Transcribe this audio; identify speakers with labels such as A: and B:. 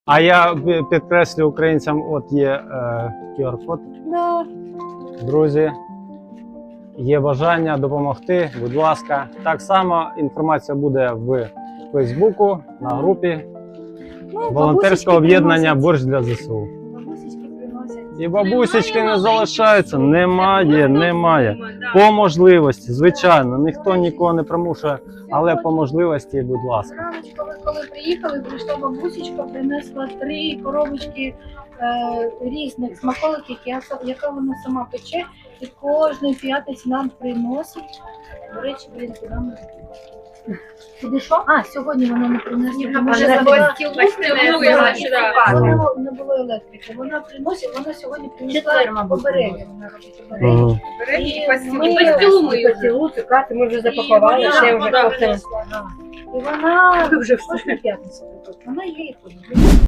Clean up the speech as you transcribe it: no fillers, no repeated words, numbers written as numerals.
A: А я підкреслю українцям, от є QR-код.
B: Да.
A: Друзі, є бажання допомогти, будь ласка. Так само інформація буде в Фейсбуку, на групі волонтерського об'єднання «Борщ для ЗСУ».
B: Бабусечки приносять.
A: І бабусечки не залишаються, немає. По можливості, звичайно, ніхто нікого не примушує, але по можливості, будь ласка.
B: Раночко, ви коли приїхали, прийшла бабусечка, принесла 3 коробочки різних смаколиків, яка вона сама пече, і кожної п'ятниці нам приносить. До речі, блін, куди ми? Куди що? А, сьогодні вона не принесла. Тому що не було електрики. Вона приносить, вона сьогодні принесла обереги. Вона робить обереги.
C: І пастилу, цукати ми вже запакували, все вже кофтали.
B: І вона
C: вже
B: кожну п'ятницю. Вона є і ходить.